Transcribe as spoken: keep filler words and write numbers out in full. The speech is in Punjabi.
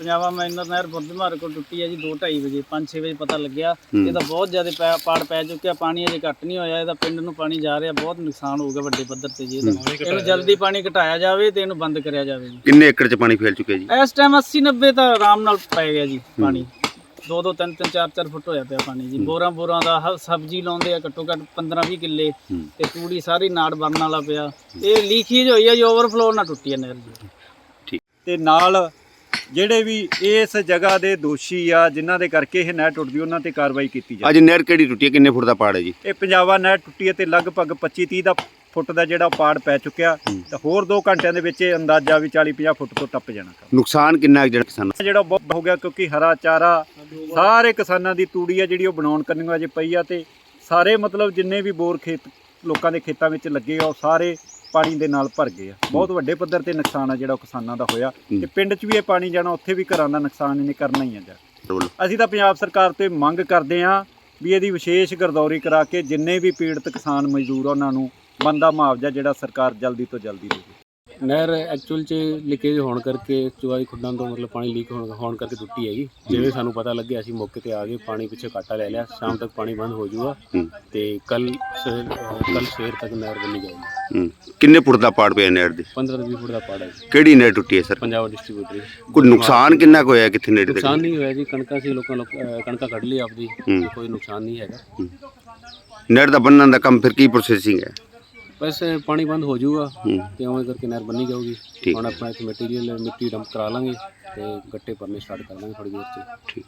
पंजाबा माइनर नहर बुधवार को टुटी है जी दो ढाई बजे पाँच छे बजे पता लग्या ਇਹਦਾ ਬਹੁਤ ਜ਼ਿਆਦਾ ਪੈ- ਪਾੜ ਪੈ ਚੁੱਕਿਆ ਪਾਣੀ ਅਜੇ ਘੱਟ ਨਹੀਂ ਹੋਇਆ ਇਹਦਾ ਪਿੰਡ ਨੂੰ ਪਾਣੀ ਜਾ ਰਿਹਾ ਬਹੁਤ ਨੁਕਸਾਨ ਹੋਊਗਾ ਵੱਡੇ ਪੱਧਰ ਤੇ ਜੀ ਇਹਦਾ ਇਹਨੂੰ ਜਲਦੀ ਪਾਣੀ ਘਟਾਇਆ ਜਾਵੇ ਤੇ ਇਹਨੂੰ ਬੰਦ ਕਰਿਆ ਜਾਵੇ ਜੀ। ਕਿੰਨੇ ਏਕੜ ਚ ਪਾਣੀ ਫੈਲ ਚੁੱਕਿਆ ਜੀ ਇਸ ਟਾਈਮ अस्सी नब्बे ਤਾਂ ਆਰਾਮ ਨਾਲ ਪੈ ਗਿਆ ਜੀ ਪਾਣੀ ਦੋ ਦੋ ਤਿੰਨ ਤਿੰਨ ਚਾਰ ਚਾਰ ਫੁੱਟ ਹੋਇਆ ਪਿਆ ਪਾਣੀ ਜੀ ਬੋਰਾਂ ਬੋਰਾਂ ਦਾ ਹ- ਸਬਜ਼ੀ ਲਾਉਂਦੇ ਆ ਘੱਟੋ ਘੱਟ ਪੰਦਰਾਂ ਵੀਹ ਕਿੱਲੇ ਤੇ ਤੂੜੀ ਸਾਰੀ ਨਾੜ ਬਣਨ ਵਾਲਾ ਪਿਆ ਇਹ ਲੀਕੇਜ ਹੋਈ ਆ ਜੀ ਓਵਰਫਲੋ ਨਾਲ ਟੁੱਟੀ ਆ ਨਹਿਰ ਜੀ। ਤੇ ਨਾਲ ਜਿਹੜੇ ਵੀ ਇਸ ਜਗ੍ਹਾ ਦੇ ਦੋਸ਼ੀ ਆ ਜਿਨ੍ਹਾਂ ਦੇ ਕਰਕੇ ਇਹ ਨਹਿਰ ਟੁੱਟਦੀ ਉਹਨਾਂ ਤੇ ਕਾਰਵਾਈ ਕੀਤੀ ਜਾਵੇ। ਅੱਜ ਨਹਿਰ ਕਿਹੜੀ ਟੁੱਟੀ ਹੈ ਕਿੰਨੇ ਫੁੱਟ ਦਾ ਪਾੜ ਹੈ ਜੀ ਇਹ ਪੰਜਾਬਾ ਨਹਿਰ ਟੁੱਟੀ ਹੈ ਤੇ ਲਗਭਗ ਪੱਚੀ ਤੀਹ ਦਾ ਫੁੱਟ ਦਾ ਜਿਹੜਾ ਪਾੜ ਪੈ ਚੁੱਕਿਆ ਤੇ ਹੋਰ ਦੋ ਘੰਟਿਆਂ ਦੇ ਵਿੱਚ ਇਹ ਅੰਦਾਜ਼ਾ ਵੀ ਚਾਲੀ ਪੰਜਾਹ ਫੁੱਟ ਤੋਂ ਟੱਪ ਜਾਣਾ ਕੰਮ। ਨੁਕਸਾਨ ਕਿੰਨਾ ਕੁ ਜਿਹੜਾ ਕਿਸਾਨਾਂ ਜਿਹੜਾ ਬਹੁਤ ਹੋ ਗਿਆ ਕਿਉਂਕਿ ਹਰਾ ਚਾਰਾ ਸਾਰੇ ਕਿਸਾਨਾਂ ਦੀ ਤੂੜੀ ਆ ਜਿਹੜੀ ਉਹ ਬਣਾਉਣ ਕਰਨੀ ਅਜੇ ਪਈ ਆ ਤੇ ਸਾਰੇ ਮਤਲਬ ਜਿੰਨੇ ਵੀ ਬੋਰ ਖੇਤ ਲੋਕਾਂ ਦੇ ਖੇਤਾਂ ਵਿੱਚ ਲੱਗੇ ਆ ਉਹ ਸਾਰੇ ਪਾਣੀ ਦੇ ਨਾਲ ਭਰ ਗਏ ਆ। ਬਹੁਤ ਵੱਡੇ ਪੱਧਰ ਤੇ ਨੁਕਸਾਨ ਆ ਜਿਹੜਾ ਉਹ ਕਿਸਾਨਾਂ ਦਾ ਹੋਇਆ ਤੇ ਪਿੰਡ 'ਚ ਵੀ ਇਹ ਪਾਣੀ ਜਾਣਾ ਉੱਥੇ ਵੀ ਘਰਾਂ ਦਾ ਨੁਕਸਾਨ ਇਹਨੇ ਕਰਨਾ ਹੀ ਆ ਜਾ। ਵੱਲੋਂ? ਅਸੀਂ ਤਾਂ ਪੰਜਾਬ ਸਰਕਾਰ ਤੋਂ ਇਹ ਮੰਗ ਕਰਦੇ ਹਾਂ ਵੀ ਇਹਦੀ ਵਿਸ਼ੇਸ਼ ਗਰਦੌਰੀ ਕਰਾ ਕੇ ਜਿੰਨੇ ਵੀ ਪੀੜਤ ਕਿਸਾਨ ਮਜ਼ਦੂਰ ਆ ਉਹਨਾਂ ਨੂੰ ਬਣਦਾ ਮੁਆਵਜ਼ਾ ਜਿਹੜਾ ਸਰਕਾਰ ਜਲਦੀ ਤੋਂ ਜਲਦੀ ਦੇਵੇ। ਨਹਿਰ ਐਕਚੁਅਲ 'ਚ ਲੀਕੇਜ ਹੋਣ ਕਰਕੇ ਚੁਆਈ ਖੁੱਡਾਂ ਤੋਂ ਮਤਲਬ ਪਾਣੀ ਲੀਕ ਹੋਣ ਹੋਣ ਕਰਕੇ ਟੁੱਟੀ ਹੈਗੀ। ਜਿਵੇਂ ਸਾਨੂੰ ਪਤਾ ਲੱਗਿਆ ਅਸੀਂ ਮੌਕੇ ਤੇ ਆ ਗਏ ਪਾਣੀ ਪਿੱਛੇ ਕਾਟਾ ਲੈ ਲਿਆ ਸ਼ਾਮ ਤੱਕ ਪਾਣੀ ਬੰਦ ਹੋ ਜਾਊਗਾ ਤੇ ਕੱਲ ਕੱਲ ਸਵੇਰ ਤੱਕ ਨਹਿਰ ਬਣੀ ਜਾਏਗੀ। ਹੂੰ ਕਿੰਨੇ ਫੁੱਟ ਦਾ ਪਾੜ ਪਿਆ ਨਹਿਰ ਦੇ ਪੰਦਰਾਂ ਤੋਂ ਵੀਹ ਫੁੱਟ ਦਾ ਪਾੜ ਹੈ ਜੀ। ਕਿਹੜੀ ਨਹਿਰ ਟੁੱਟੀ ਹੈ ਸਰ ਪੰਜਾਬ ਡਿਸਟ੍ਰੀਬਿਊਟਰ ਕੋਈ ਨੁਕਸਾਨ ਕਿੰਨਾ ਕੁ ਹੋਇਆ ਕਿੱਥੇ ਨੇੜੇ ਨੁਕਸਾਨ ਨਹੀਂ ਹੋਇਆ ਜੀ ਕਣਕਾਂ ਸੀ ਲੋਕਾਂ ਲੋਕ ਅਹ ਕਣਕਾਂ ਕੱਢ ਲਈ ਆਪਦੀ ਤੇ ਕੋਈ ਨੁਕਸਾਨ ਨਹੀਂ ਹੈਗਾ। ਨਹਿਰ ਦਾ ਬੰਨਣ ਦਾ ਕੰਮ ਫਿਰ ਕੀ ਪ੍ਰੋਸੈਸਿੰਗ ਹੈ ਬਸ ਪਾਣੀ ਬੰਦ ਹੋ ਜਾਊਗਾ ਤੇ ਉਵੇਂ ਕਰਕੇ ਨਹਿਰ ਬੰਨੀ ਜਾਊਗੀ। ਹੁਣ ਆਪਣਾ ਇੱਥੇ ਮਟੀਰੀਅਲ ਮਿੱਟੀ ਡੰਪ ਕਰਾ ਲਾਂਗੇ ਤੇ ਗੱਟੇ ਭਰਨੇ ਸਟਾਰਟ ਕਰ ਲਾਂਗੇ ਥੋੜੀ ਦੇਰ 'ਚ। ਠੀਕ।